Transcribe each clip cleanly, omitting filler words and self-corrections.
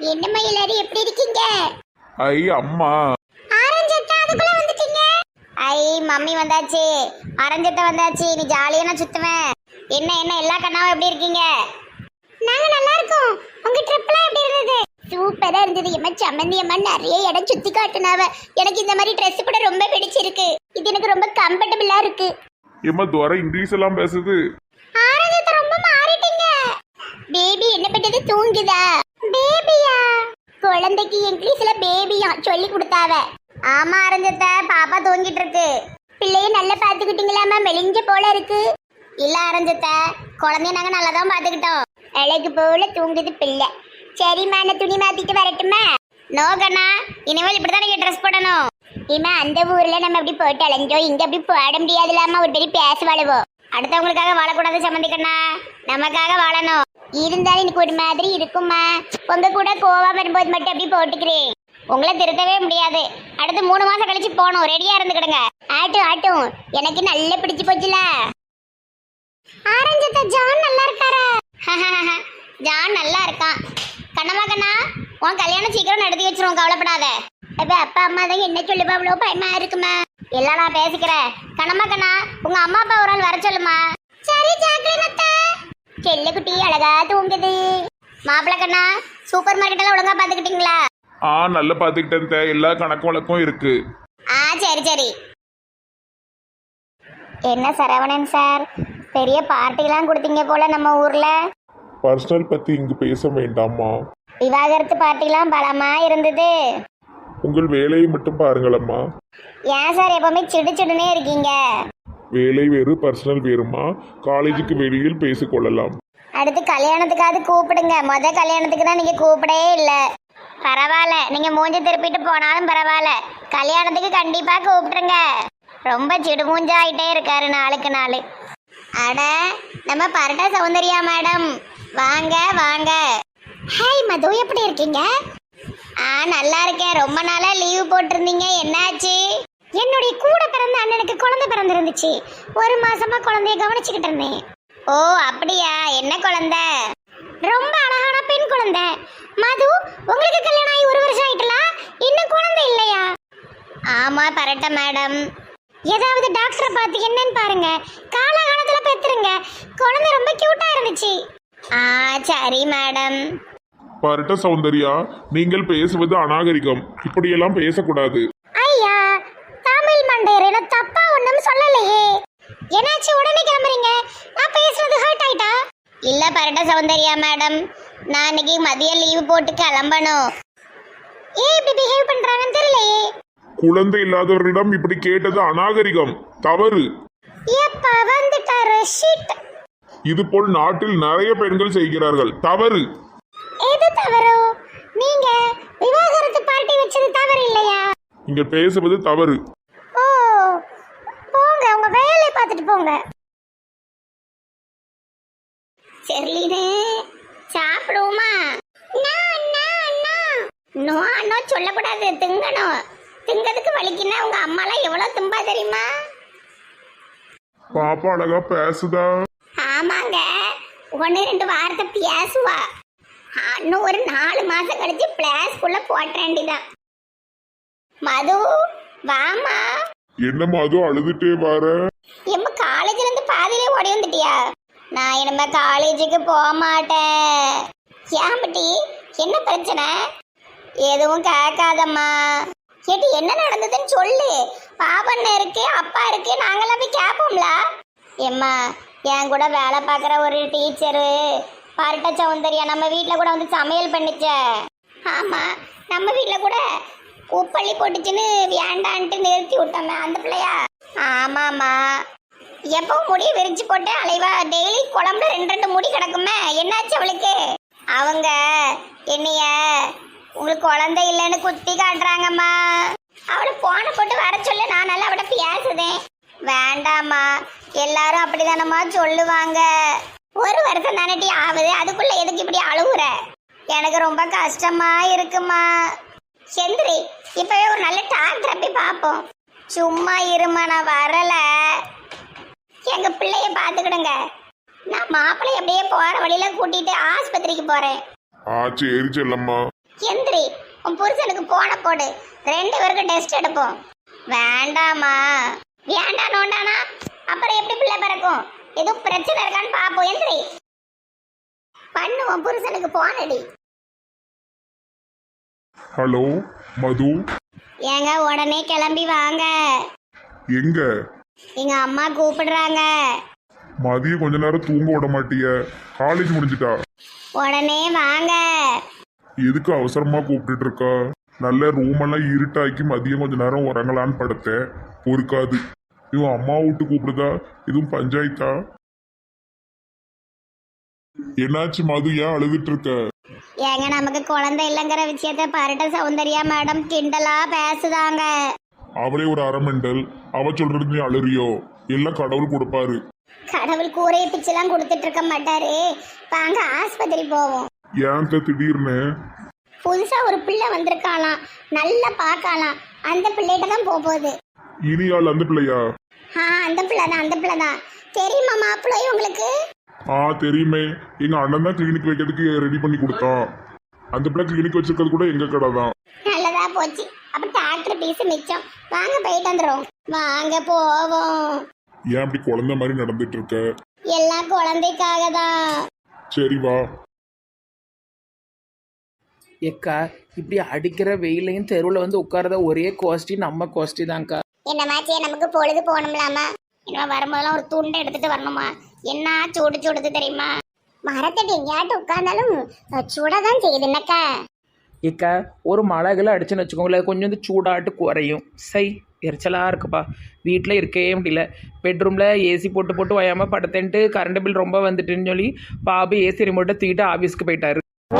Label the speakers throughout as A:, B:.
A: என்னம்மா எல்லாரும் எப்படி இருக்கீங்க?
B: ஐ அம்மா.
A: ஆரஞ்சட்டா அதுக்குள்ள வந்துட்டீங்க. ஐ மம்மி வந்தாச்சு, ஆரஞ்சட்டா வந்தாச்சு. நீ ஜாலியா நான் சுத்துவேன். என்ன என்ன எல்லா கண்ணாவும் எப்படி இருக்கீங்க? நாங்க நல்லா இருக்கோம். உங்க ட்ரிப்லாம் எப்படி இருந்தது? சூப்பரா இருந்தது. எம்மா சம்மந்தி அம்மா நிறைய இடம் சுத்தி காட்டுனாவ. எனக்கு இந்த மாதிரி ட்ரெஸ் கூட ரொம்ப பிடிச்சிருக்கு. இது எனக்கு ரொம்ப கம்ஃபர்டபுளா இருக்கு.
B: ஏம்மா துவர இங்கிலீஷ் எல்லாம் பேசுது.
A: ஆரஞ்சட்டா ரொம்ப மாறிட்டீங்க. பேபி என்ன பட்டது தூங்குதா? பேபியா? குழந்தைக்கு இங்கிலீஷ்ல பேபியா சொல்லி கொடுத்தாவ. ஆமா ஆரஞ்சத்த பாப்பா தூங்கிட்டு இருக்கு. பிள்ளைய நல்லா பாத்துக்கிட்டீங்களாமா? மெலிஞ்ச போல இருக்கு. இல்ல ஆரஞ்சத்த குழந்தைய நாங்க நல்லா தான் பாத்துக்கிட்டோம். அழகு போல தூங்குது பிள்ளை. சரிம்மா நான் துணி மாத்திட்டு வரட்டுமா? நோ கண்ணா, இனிமேல் இப்படிதான் நீங்க ட்ரெஸ் போடணும். இம்மா அந்த ஊர்ல நம்ம அப்படி போட்டு அலைஞ்சோம், இங்க அப்படி போட முடியாதுலாமா. ஒரு பெரிய பேச வாழுவோம். அடுத்தவங்களுக்காக வாழக்கூடாது சம்மந்திக்கண்ணா, நமக்காக வாழணும். இருந்தாலும் எனக்கு ஒரு மாதிரி இருக்குமா. உங்க கூட கோவா வரும்போது மட்டும் அப்படி போட்டுக்கிறேன். உங்களை திருத்தவே முடியாது. அடுத்து 3 மாசம் கழிச்சு போகணும். ரெடியா இருந்துக்கிடுங்க. ஆட்டும் ஆட்டும் எனக்கு நல்ல பிடிச்சு போச்சுல. ஆரஞ்சத்த ஜான் நல்லா இருக்காரா? ஜான் நல்லா இருக்கான். கண்ணம்மா கண்ணா, உன் கல்யாணம் சீக்கிரம் நடத்தி வச்சிருவோம், கவலைப்படாத. அப்பா அம்மா தான் என்ன சொல்லுப்பா, அவ்வளோ பயமா இருக்குமா? எல்லாம் நான் பேசிக்கிறேன். கண்ணம்மா கண்ணா, உங்க அம்மா அப்பா ஒரு நாள் வர சொல்லுமா. சரி ஜாக்லின் அத்தை. செல்ல குட்டி அழகா தூங்குது. மாப்பிள்ள கண்ணா, சூப்பர் மார்க்கெட் எல்லாம் ஒழுங்கா பாத்துக்கிட்டீங்களா?
B: நல்லா பாத்துக்கிட்டேன். எல்லா கணக்கு வழக்கும் இருக்கு.
A: சரி சரி. என்ன சரவணன் சார், பெரிய பார்ட்டிலாம் கொடுத்தீங்க போல நம்ம ஊர்ல.
B: பர்சனல் பத்தி இங்கு பேச வேண்டாமா.
A: விவாகரத்து பார்ட்டிலாம் பலமா இருந்தது.
B: உங்கள் வேலையை மட்டும் பாருங்களம்மா.
A: ஏன் சார் எப்பவுமே சிடு சிடுனே இருக்கீங்க?
B: வேலை வேறு பர்சனல் வேறுமா. காலேஜுக்கு வெளியில் பேசிக்கொள்ளலாம்.
A: அடுத்து கல்யாணத்துக்காவது கூப்பிடுங்க. கல்யாணத்துக்கு தான் நீங்க கூப்பிடவே இல்லை. பரவாயில்ல, நீங்க மூஞ்சி திருப்பிட்டு போனாலும் பரவாயில்ல, கல்யாணத்துக்கு கண்டிப்பா கூப்பிட்டுருங்க. ரொம்ப சிடுமூஞ்சா ஆயிட்டே இருக்காரு நாளுக்கு நாள். அட நம்ம பரட்ட சௌந்தர்யா மேடம், வாங்க வாங்க. ஹாய் மது, எப்படி இருக்கீங்க? நல்லா இருக்கேன். ரொம்ப நாளா லீவ் போட்டிருந்தீங்க, என்னாச்சு? என்னுடைய கூட பிறந்த அண்ணனுக்கு குழந்தை பிறந்திருந்துச்சு. 1 மாசமா குழந்தைய கவனிச்சுக்கிட்டு இருந்தேன். ஓ அப்படியா? என்ன குழந்தை? ரொம்ப அழகான பெண் குழந்தை. மது, உங்களுக்கு கல்யாணம் ஆகி 1 வருஷம் ஆயிட்டல, இன்னும் குழந்தை இல்லையா? ஆமா பரட்ட மேடம். ஏதாவது டாக்டரை பார்த்து என்னன்னு பாருங்க, காலகாலத்துல பெத்துருங்க. குழந்தை ரொம்ப கியூட்டா இருந்துச்சு. சரி மேடம்.
B: பரட்ட சௌந்தர்யா, நீங்கள் பேசுவது அநாகரிகம். இப்படியெல்லாம் பேசக்கூடாது.
A: ஐயா தமிழ் மண்டையர், என்ன தப்பா ஒண்ணும் சொல்லலையே. என்னாச்சு உடனே கிளம்புறீங்க? நான் பேசுறது ஹர்ட் ஆயிட்டா? இல்ல பரட்ட சௌந்தர்யா மேடம், நான் இன்னைக்கு மதியம் லீவ் போட்டு கிளம்பணும். ஏன் இப்படி பிஹேவ் பண்றாங்கன்னு தெரியலையே.
B: குழந்தை இல்லாதவர்களிடம் இப்படி கேட்டது அநாகரிகம், தவறு.
A: எப்ப வந்துட்டாரு ஷிட்.
B: இது போல் நாட்டில் நிறைய பெண்கள் செய்கிறார்கள், தவறு.
A: எது தவறு? நீங்க விவாகரத்து பார்ட்டி வச்சது தவறு இல்லையா?
B: இங்க பேசுவது தவறு.
A: ஓ போங்க, உங்க வேலையை பார்த்துட்டு போங்க. செர்லினே, சாப்பிடுவோமா? நோ சொல்லக்கூடாது, திங்கணும். திங்கிறதுக்கு வலிக்குன்னா உங்க அம்மாலாம் எவ்வளவு தும்பா தெரியுமா?
B: பாப்பா அழகா பேசுதா?
A: ஆமாங்க, 1-2 வாரத்தை பேசுவா. இன்னும் ஒரு 4 மாசம் கழிச்சு பிளாஸ்குள்ள போட்டேன்டிதான். மது வாமா.
B: என்னம்மா அது அழுதுட்டே வர?
A: எம்ம காலேஜ்ல இருந்து பாதியிலே ஓடி வந்துட்டியா? நான் இனிமே காலேஜுக்கு போக மாட்டேன். ஏம்பட்டி என்ன பிரச்சனை? எதுவும் கேட்காதம்மா. கேட்டு என்ன நடந்ததுன்னு சொல்லு. பாபண்ண இருக்கு, அப்பா இருக்கு, நாங்களாம் போய் கேட்போம்ல. எம்மா, என் கூட வேலை பார்க்குற ஒரு டீச்சரு பரட்ட சௌந்தர்யா நம்ம வீட்டில் கூட வந்து சமையல் பண்ணிச்ச. ஆமாம், நம்ம வீட்டில் கூட உப்பள்ளி போட்டுச்சுன்னு வேண்டான்ட்டு நிறுத்தி விட்டோமே, அந்த பிள்ளையா? ஆமாம்மா, எப்போ முடி விரிச்சு போட்டு அலைவா. டெய்லி குழம்புல 2 முடி கிடக்குமே, என்னாச்சு அவளுக்கு? அவங்க என்னைய உங்களுக்கு குழந்தை இல்லைன்னு குத்தி காட்டுறாங்கம்மா. அவளை போன போட்டு வர சொல்லு, நான் நல்லா அவட பேசுதேன். வேண்டாம்மா, எல்லாரும் அப்படிதானம்மா சொல்லுவாங்க. 1 வருஷம் தானட்டி ஆகுது, அதுக்குள்ள எதுக்கு இப்படி அழுகுற? எனக்கு ரொம்ப கஷ்டமா இருக்குமா. செந்திரி, இப்பவே ஒரு நல்ல டாக்டரை போய் பார்ப்போம். சும்மா இருமா, நான் வரல. எங்க பிள்ளைய பாத்துக்கிடுங்க. நான் மாப்பிள்ளை அப்படியே போற வழியில கூட்டிட்டு ஆஸ்பத்திரிக்கு போறேன்.
B: சரி செல்லம்மா.
A: எந்திரி, உன் புருஷனுக்கு போன போடு, 2 பேருக்கு டெஸ்ட் எடுப்போம். வேண்டாமா? வேண்டாம் நோண்டானா அப்புறம் எப்படி பிள்ளை பிறக்கும்? எதுவும் பிரச்சனை இருக்கான்னு பாப்போம். எந்திரி, பண்ணுவோம். புருஷனுக்கு போனடி.
B: ஹலோ மது,
A: ஏங்க உடனே கிளம்பி வாங்க,
B: எங்க?
A: எங்க அம்மா கூப்பிடுறாங்க.
B: மதியம் கொஞ்ச நேரம் தூங்க விட மாட்டிய? காலேஜ் முடிஞ்சிட்டா?
A: உடனே வாங்க.
B: எதுக்கு அவசரமா கூப்பிட்டுட்டு இருக்கா? நல்ல ரூம் எல்லாம் இருட்டாக்கி மதியம் கொஞ்ச நேரம் உறங்கலான்னு படுத்தேன், பொறுக்காது. இவன் அம்மா விட்டு கூப்பிடுதா? எதுவும் பஞ்சாயத்தா? என்னாச்சு மது, ஏன் அழுதுட்டு இருக்க?
A: ஏங்க நமக்கு குழந்தை இல்லைங்கிற விஷயத்த பரட்ட சௌந்தர்யா மேடம் கிண்டலா பேசுதாங்க.
B: அவளே ஒரு அரமெண்டல், அவ சொல்றது நீ அழுறியோ? எல்லாம் கடவுள் கொடுப்பாரு.
A: கடவுள் கூரையை பிச்செல்லாம் கொடுத்துட்டு இருக்க மாட்டாரு. வாங்க ஆஸ்பத்திரி போவோம்.
B: ஏன் திடீர்னு?
A: புதுசா ஒரு பிள்ளை வந்திருக்காளாம், நல்லா பார்க்கலாம். அந்த பிள்ளைகிட்ட தான் போகுது.
B: இனியால் அந்த பிள்ளையா?
A: அந்த பிள்ளைதான். தெரியுமா மாப்பிள்ளை உங்களுக்கு?
B: தெரியுமே, எங்க அண்ணன் தான் கிளினிக் வைக்கிறதுக்கு ரெடி பண்ணி கொடுத்தான். அந்த பிள்ளை கிளினிக் வச்சிருக்கிறது கூட எங்க கடை தான்.
A: நல்லதா போச்சு. அப்ப டாக்டர் பீஸ் மிச்சம். வாங்க போயிட்டு வந்துடும். வாங்க போவோம்.
B: ஏன் அப்படி குழந்தை மாதிரி நடந்துட்டு இருக்க?
A: எல்லாம் குழந்தைக்காக தான்.
B: சரி வா.
C: ஏக்கா இப்படி அடிக்கிற வெயிலையும் தெருவில் வந்து உட்காரத ஒரே கோஷ்டி நம்ம கோஷ்டி தான்க்கா.
A: என்னமாச்சே, நமக்கு பொழுது போகணும்லாமா? என்ன வரும்போதெல்லாம் ஒரு துண்டை எடுத்துட்டு வரணுமா? என்ன சூடுது தெரியுமா? மரத்தடி எங்கேயாட்டு உட்கார்ந்தாலும் சூடாதான் செய்யுது என்னக்கா.
C: ஏக்கா ஒரு மழைகளை அடிச்சுன்னு வச்சுக்கோங்களேன், கொஞ்சம் வந்து சூடாட்டு குறையும். சை எரிச்சலாக இருக்குப்பா, வீட்டில் இருக்கவே முடியல. பெட்ரூமில் ஏசி போட்டு வயாமல் படுத்தேன்ட்டு கரண்ட் பில் ரொம்ப வந்துட்டுன்னு சொல்லி பாபு ஏசி ரிமோட்டை தூக்கிட்டு ஆஃபீஸ்க்கு போயிட்டாரு.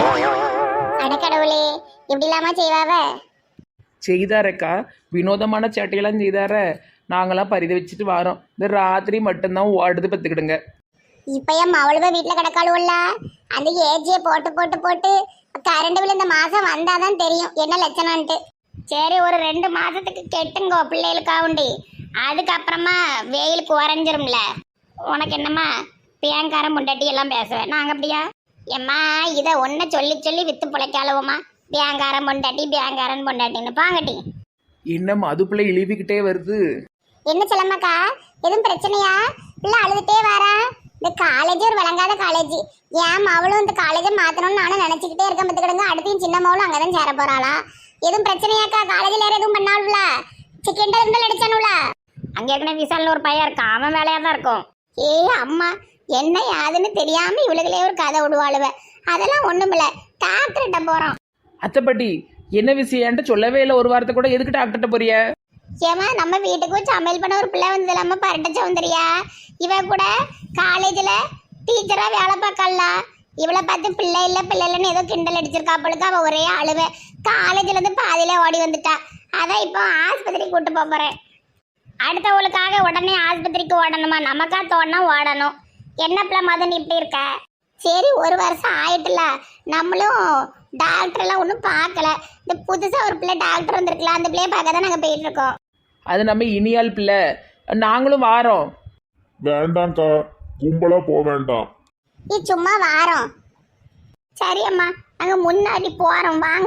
A: அடக்கடவுளே, இப்படி இல்லாம செய்வாவ?
C: செய்தாரக்கா, வினோதமான சேட்டையெல்லாம் செய்தார. நாங்களாம் பரிதை வச்சுட்டு வரோம். இந்த ராத்திரி மட்டும்தான் ஓடுது பத்துக்கிடுங்க.
A: இப்ப என் மவளுவ வீட்டுல கிடக்காளுவல்ல, அந்த ஏஜியை போட்டு கரண்ட் பில் இந்த மாசம் வந்தாதான் தெரியும் என்ன லட்சணம்ட்டு. சரி, ஒரு 2 மாசத்துக்கு கெட்டுங்கோ பிள்ளைகளுக்காவுண்டி. அதுக்கப்புறமா வெயில் குறைஞ்சிரும்ல. உனக்கு என்னம்மா பேங்காரம் முண்டாட்டி எல்லாம் பேசுவேன் நாங்க அப்படியா? எம்மா இதை ஒன்ன சொல்லி வித்து பிழைக்காளுவோமா? பேங்காரம் பொண்டாட்டின்னு பாங்கட்டி.
C: என்ன மது பிள்ளை இழிவிக்கிட்டே வருது.
A: என்ன சொல்லம்மாக்கா, எதுவும் பிரச்சனையா? பிள்ளை அழுதுட்டே வரா. இந்த காலேஜ் ஒரு வழங்காத காலேஜ். ஏன் அவளும் இந்த காலேஜை மாத்தணும்னு நானும் நினைச்சுக்கிட்டே இருக்க பத்துக்கிடுங்க. அடுத்தையும் சின்ன மவளும் அங்கதான் சேர போறாளா? எதுவும் பிரச்சனையாக்கா? காலேஜில் வேற எதுவும் பண்ணாளுல? சிக்கன் இருந்தால் அடிச்சானுல? அங்க ஏற்கனவே விசால்னு ஒரு பையன் இருக்கான், அவன் வேலையா தான் இருக்கும். அம்மா, என்ன யாதுன்னு தெரியாம இவளுகளே ஒரு கதை விடுவாளுவ. அதெல்லாம் ஒண்ணுமில்ல, டாக்டர்கிட்ட போறோம்.
C: அத்தைப்பட்டி என்ன விஷயம்ட்டு சொல்லவே இல்லை ஒரு வாரத்தை கூட. எதுக்கு டாக்டர்கிட்ட போறிய?
A: ஏமா, நம்ம வீட்டுக்கு சமையல் பண்ண ஒரு பிள்ளை வந்து இல்லாம பரட்ட சௌந்தர்யா, இவ கூட காலேஜ்ல டீச்சரா வேலை பார்க்கல. இவளை பார்த்து பிள்ளை இல்லைன்னு ஏதோ கிண்டல் அடிச்சிருக்காப்பளுக்கு. அவ ஒரே அழுவ. காலேஜ்ல இருந்து பாதியில ஓடி வந்துட்டா. அதான் இப்போ ஆஸ்பத்திரிக்கு கூட்டு போறேன். அடுத்தவளுக்காக உடனே ஆஸ்பத்திரிக்கு ஓடணுமா? நமக்கா தோணா ஓடணும். என்ன பிள்ளை மதன் இப்படி இருக்க? சரி, 1 வருஷம் ஆயிட்டுல, நம்மளும் டாக்டர் எல்லாம் ஒன்றும் பார்க்கல. இந்த புதுசா ஒரு பிள்ளை டாக்டர் வந்திருக்கலாம், அந்த பிள்ளைய பார்க்க தான் நாங்கள் போயிட்டு இருக்கோம்.
C: அது நம்ம இனியால் பிள்ளை, நாங்களும் வாரோம்.
B: வேண்டாம்க்கா, கும்பலா போக வேண்டாம்.
A: சும்மா வாரோம். சரி அம்மா, நாங்க முன்னாடி போறோம், வாங்க.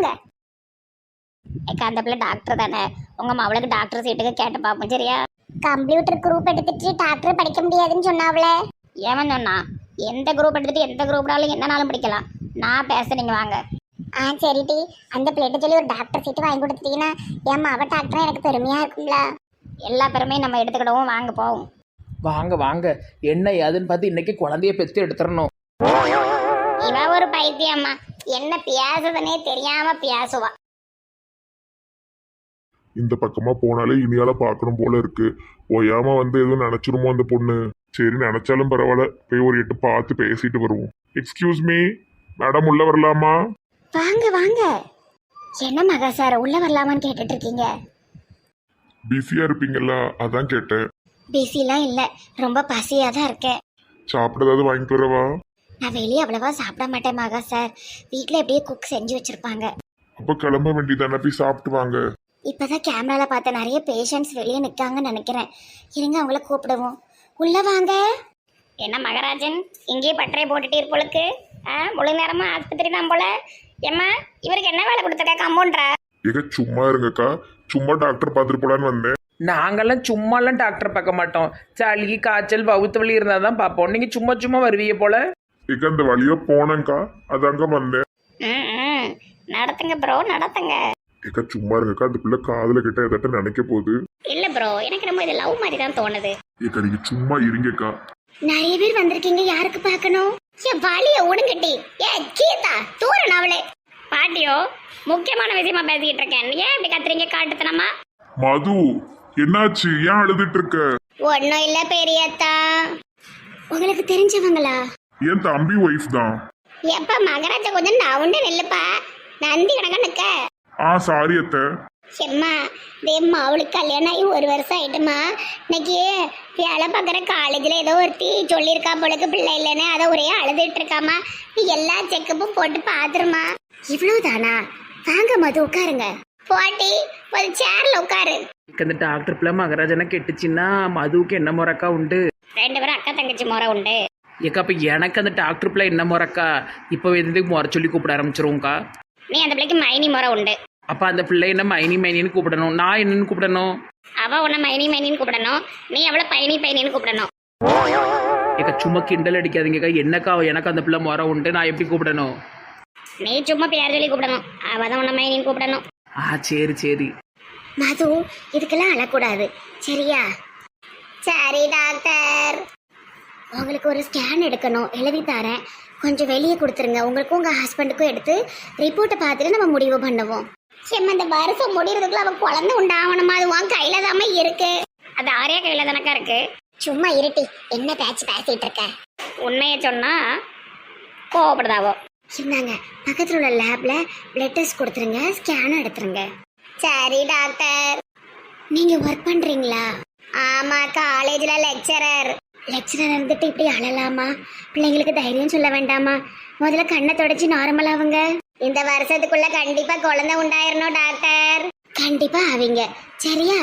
A: அந்த பிள்ளை டாக்டர் தானே, உங்க மவளுக்கு டாக்டர் சீட்டுக்கு கேட்டு பார்ப்போம். சரியா? கம்ப்யூட்டர் குரூப் எடுத்துட்டு டாக்டர் படிக்க முடியாதுன்னு சொன்னாவளே. ஏவன் சொன்னா? எந்த குரூப் எடுத்துட்டு எந்த குரூப்னாலும் என்னனாலும் படிக்கலாம். நான் பேசுறீங்க, வாங்க. சரிடி, அந்த பிள்ளைகிட்ட சொல்லி ஒரு டாக்டர் சீட்டு வாங்கி கொடுத்துட்டீங்கன்னா ஏமா அவ டாக்டர் எனக்கு பெருமையா இருக்கும்ல. எல்லா பெருமையும் நம்ம எடுத்துக்கிடுவோம், வாங்க போவோம்.
C: வாங்க என்ன ஏதுன்னு பார்த்து இன்னைக்கு குழந்தைய பெற்று எடுத்துடணும்.
A: இவ ஒரு பைத்தியம்மா, என்ன பேசுதுன்னே தெரியாம பேசுவா.
B: இந்த பக்கமா போனாலே இனியால பார்க்கணும் போல இருக்கு. ஓயாம வந்து எதுவும் நினைச்சிருமோ அந்த பொண்ணு. சரி, நினைச்சாலும் பரவாயில்ல, போய் ஒரு 8 பார்த்து பேசிட்டு வருவோம். எக்ஸ்கியூஸ் மீ மேடம், உள்ள வரலாமா?
A: வாங்க. என்ன மகா சார், உள்ள வரலாமான்னு கேட்டுட்டு இருக்கீங்க?
B: பிஸியா இருப்பீங்கல்ல, அதான் கேட்டேன்.
A: பிஸிலாம் இல்ல, ரொம்ப பசியா தான் இருக்கேன்.
B: சாப்பிட ஏதாவது வாங்கிட்டு வரவா?
A: நான் வெளியே அவ்வளவா சாப்பிட மாட்டேன் மகா சார். வீட்டுல எப்படியே குக் செஞ்சு வச்சிருப்பாங்க.
B: அப்ப கிளம்ப வேண்டியதானே, போய் சாப்பிட்டு வாங்க.
A: இப்பதான் கேமரால பார்த்த நிறைய பேஷண்ட்ஸ் வெளியே நிக்காங்கன்னு நினைக்கிறேன். இருங்க, அவங்கள கூப்பிடுவோம். உள்ள வாங்க. என்ன மகராஜன், இங்கேயே பட்டறை போட்டுட்டு இருப்போளுக்கு? முழு நேரமா ஆஸ்பத்திரி தான் போல. ஏம்மா இவருக்கு என்ன வேலை கொடுத்துருக்கா கம்பவுண்டரா?
B: ஏக சும்மா இருங்கக்கா, சும்மா டாக்டர் பார்த்துட்டு போலான்னு வந்தேன்.
C: நாங்கெல்லாம் சும்மாலாம் டாக்டர் பார்க்க மாட்டோம். சளி காய்ச்சல் வவுத்து வலி இருந்தால் தான் பார்ப்போம். நீங்கள் சும்மா சும்மா வருவீங்க போல.
B: ஏக அந்த வழியா போனேங்க்கா, அதாங்க வந்தேன்.
A: ம் நடத்துங்க ப்ரோ நடத்துங்க.
B: ஏக்கா சும்மா இருங்கக்கா, அந்த பிள்ளை காதுல கிட்ட எதாட்ட நினைக்க போகுது.
A: இல்ல ப்ரோ, எனக்கு நம்ம இது லவ் மாதிரி தான் தோணுது.
B: ஏக்கா நீங்க சும்மா இருங்கக்கா.
A: நிறைய பேர் வந்திருக்கீங்க, யாருக்கு பார்க்கணும்? ஏன் வழிய ஒடுங்கட்டி. ஏ கீதா தூரன் அவளே. பாட்டியோ முக்கியமான விஷயமா பேசிக்கிட்டு இருக்கேன், ஏன் இப்படி கத்துறீங்க காட்டுத்தனமா?
B: மது என்னாச்சு, ஏன் அழுதுட்டு இருக்க?
A: ஒன்னும் இல்ல பெரியத்தா. உங்களுக்கு தெரிஞ்சவங்களா?
B: என் தம்பி ஒய்ஃப் தான்.
A: எப்ப மகராஜா கொஞ்சம் நவுண்டு நெல்லுப்பா, நந்தி கணக்கா நிக்க.
B: சாரி அத்தை.
A: செம்மா தேம்மா அவளுக்கு கல்யாணம் ஆகி 1 வருஷம் ஆயிட்டுமா. இன்னைக்கு வேலை பார்க்குற காலேஜில் ஏதோ ஒருத்தி சொல்லியிருக்கா பொழுது பிள்ளை இல்லைன்னு, அதை ஒரே அழுதுட்டு இருக்காமா. நீ எல்லா செக்கப்பும் போட்டு பார்த்துருமா. இவ்வளவுதானா? வாங்க மது உட்காருங்க. போட்டி ஒரு சேர்ல உட்காரு.
C: இந்த டாக்டர் பிள்ளை மகராஜனை கெட்டுச்சின்னா மதுவுக்கு என்ன முறக்கா உண்டு?
A: 2 பேரும் அக்கா தங்கச்சி முறை உண்டு.
C: ஏக்கா அப்போ எனக்கு அந்த டாக்டர் பிள்ளை என்ன முறக்கா? இப்போ எதுக்கு முறை சொல்லி கூப்பிட ஆரம்பிச்சிருவோங்க்கா.
A: நீ அந்த பிள்ளைக்கு மைனி முறை உண்டு.
C: அப்போ அந்த பிள்ளை என்ன மைனி மைனின்னு கூப்பிடணும், நான் என்னன்னு கூப்பிடணும்?
A: அவ உன்னை மைனி மைனின்னு கூப்பிடணும், நீ அவளை பைனி பைனின்னு கூப்பிடணும்.
C: ஏக்கா சும்மா கிண்டல் அடிக்காதீங்கக்கா. என்னக்கா எனக்கு அந்த பிள்ளை முறை உண்டு, நான் எப்படி கூப்பிடணும்?
A: நீ சும்மா பேர் சொல்லி கூப்பிடணும், அவ தான் உன்னை மைனின்னு கூப்பிடணும்.
C: சரி சரி.
A: மது இதுக்கெல்லாம் அழக்கூடாது சரியா? சரி டாக்டர், உங்களுக்கு ஒரு ஸ்கேன் எடுக்கணும், எழுதி தரேன், கொஞ்சம் வெளியே கொடுத்துருங்க. உங்களுக்கும் உங்கள் ஹஸ்பண்டுக்கும் எடுத்து ரிப்போர்ட்டை பார்த்துட்டு நம்ம முடிவு பண்ணுவோம். செம்ம இந்த வருஷம் முடிகிறதுக்குள்ள அவன் குழந்தை உண்டாகணுமா? அது உன் கையில தாம இருக்கு. அது ஆரியா கையில தானக்கா இருக்கு. சும்மா இருட்டி என்ன பேசிட்டு இருக்க? உண்மையை சொன்னா கோவப்படுதாவோ. சொன்னாங்க பக்கத்தில் உள்ள லேப்ல பிளட் டெஸ்ட் கொடுத்துருங்க, ஸ்கேனும் எடுத்துருங்க. சரி டாக்டர். நீங்க ஒர்க் பண்றீங்களா? ஆமா, காலேஜ்ல லெக்சரர். லெக்சரர் இருந்துட்டு இப்படி அழலாமா? பிள்ளைங்களுக்கு தைரியம் சொல்ல வேண்டாமா? முதல்ல கண்ணை தொடச்சி நார்மலாவுங்க. இந்த வருஷத்துக்குள்ள கண்டிப்பா குழந்தை உண்டாயிரணும் டாக்டர். கண்டிப்பா ஆவீங்க சரியா?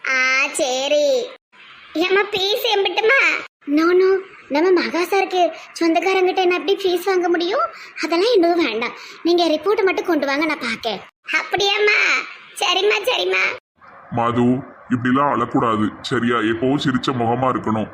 A: சரி. ஏமா பீஸ் எம்பிட்டுமா? நோ நம்ம மகாசாருக்கு சொந்தக்காரங்கிட்ட என்ன அப்படி ஃபீஸ் வாங்க முடியும்? அதெல்லாம் இன்னும் வேண்டாம், நீங்க ரிப்போர்ட் மட்டும் கொண்டு வாங்க, நான் பார்க்க. அப்படியாம்மா? சரிம்மா.
B: மது இப்படிலாம் அழக்கூடாது சரியா? எப்பவும் சிரிச்ச முகமா இருக்கணும்.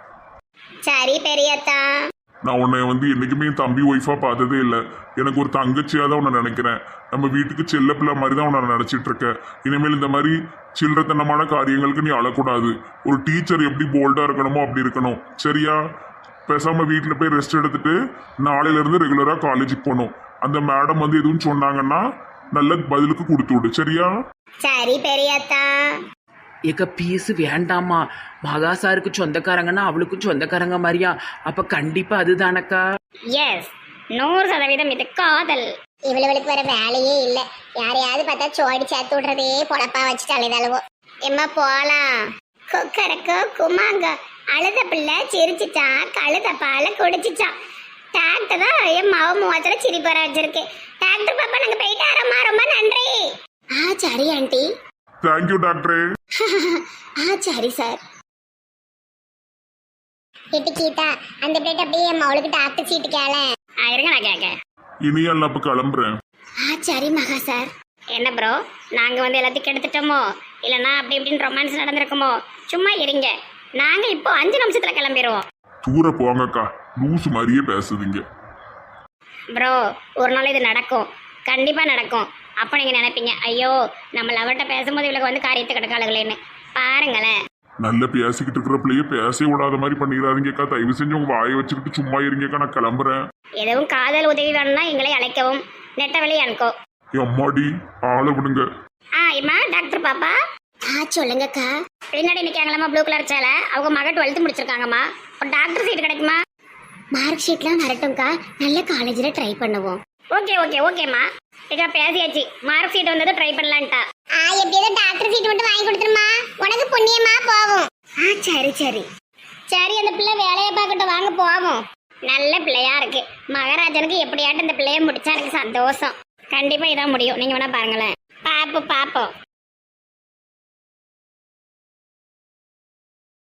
A: சரி பெரியத்தா.
B: நான் உன்னை என்னைக்குமே என் தம்பி ஒய்ஃபா பார்த்ததே இல்லை. எனக்கு ஒரு தங்கச்சியா தான் உன்னை நினைக்கிறேன். நம்ம வீட்டுக்கு செல்ல பிள்ளை மாதிரி தான் உன்னை நினைச்சிட்டு இருக்கேன். இனிமேல் இந்த மாதிரி சில்லறத்தனமான காரியங்களுக்கு நீ அழக்கூடாது. ஒரு டீச்சர் எப்படி போல்டா இருக்கணுமோ அப்படி இருக்கணும் சரியா? பேசாம வீட்டில் போய் ரெஸ்ட் எடுத்துட்டு நாளையில இருந்து ரெகுலரா காலேஜுக்கு போகணும். அந்த மேடம் எதுவும் சொன்னாங்கன்னா நல்ல பதிலுக்கு கொடுத்து விடு சரியா?
A: சரி பெரியத்தா.
C: ஏக்கா பீஸு வேண்டாமா? மகாசாருக்கு சொந்தக்காரங்கன்னா அவளுக்கும் சொந்தக்காரங்க மாதிரியா? அப்ப கண்டிப்பா அதுதானக்கா?
A: எஸ் 100% இது காதல். இவளுக்கு வர வேலையே இல்ல, யாரையாவது பார்த்தா சோடி சேர்த்து விடுறதே பொழப்பா வச்சுட்டு அழுதளவோ. எம்மா போலாம். கொக்கரக்கோ குமாங்க அழுத பிள்ளை சிரிச்சிச்சான், கழுத பால குடிச்சிச்சான். டாக்டர் தான் என் மாவு முகத்துல சிரிப்பற வச்சிருக்கு. டாக்டர் பாப்பா நாங்க போயிட்டு வரோம்மா, ரொம்ப நன்றி. சரி ஆண்டி.
B: தேங்க்யூ டாக்டரே.
A: சரி சார். கீதா அந்த பிளேட் அப்படியே அவளுக்கு டாக்டர் சீட்டு கேள. இருங்க நான் கேட்க.
B: இனியால் அப்ப கிளம்புறேன்.
A: சரி மகா சார். என்ன ப்ரோ, நாங்க எல்லாத்தையும் கெடுத்துட்டோமோ இல்லைன்னா அப்படி இப்படின்னு ரொமான்ஸ் நடந்திருக்குமோ? சும்மா இருங்க, நாங்க இப்போ 5 நிமிஷத்துல கிளம்பிடுவோம்.
B: தூர போங்கக்கா, லூசு மாதிரியே பேசுதீங்க.
A: ப்ரோ ஒரு நாள் இது நடக்கும், கண்டிப்பா நடக்கும். அப்போ நீங்க நினைப்பீங்க ஐயோ நம்ம லவர்கிட்ட பேசும்போது இவளுக்கு காரியத்தை கிடக்காளுங்களேன்னு. பாருங்களேன்,
B: நல்ல பேசிக்கிட்டு இருக்கிற பிள்ளைய பேச விடாத மாதிரி பண்ணிடாதீங்கக்கா. தயவு செஞ்சு உங்க வாயை வச்சுக்கிட்டு சும்மா இருங்கக்கா, நான் கிளம்புறேன்.
A: எதுவும் காதல் உதவி வேணும்னா எங்களை அழைக்கவும், நெட்ட வழி அனுக்கோ.
B: அம்மாடி ஆளை விடுங்க.
A: இம்மா டாக்டர் பாப்பா. சொல்லுங்கக்கா. பின்னாடி நிற்காங்களாம்மா ப்ளூ கலர் சேலை, அவங்க மக 12th முடிச்சிருக்காங்கம்மா. ஒரு டாக்டர் சீட் கிடைக்குமா? மார்க் ஷீட்லாம் வரட்டும்க்கா, நல்ல காலேஜில் ட்ரை பண்ணுவோம். ஓகேம்மா. இக்கா பேசியாச்சு, மார்க் சீட் வந்தது ட்ரை பண்ணலான்ட்டா. எப்படியோ டாக்டர் சீட் மட்டும் வாங்கி கொடுத்துருமா, உனக்கு புண்ணியமா போகும். சரி அந்த பிள்ளை வேலையை பார்க்கட்டும், வாங்க போவோம். நல்ல பிள்ளையா இருக்கு. மகாராஜனுக்கு எப்படியாட்டும் இந்த பிள்ளைய முடிச்சா எனக்கு சந்தோஷம். கண்டிப்பா இதான் முடியும், நீங்க வேணா பாருங்களேன். பாப்போம்.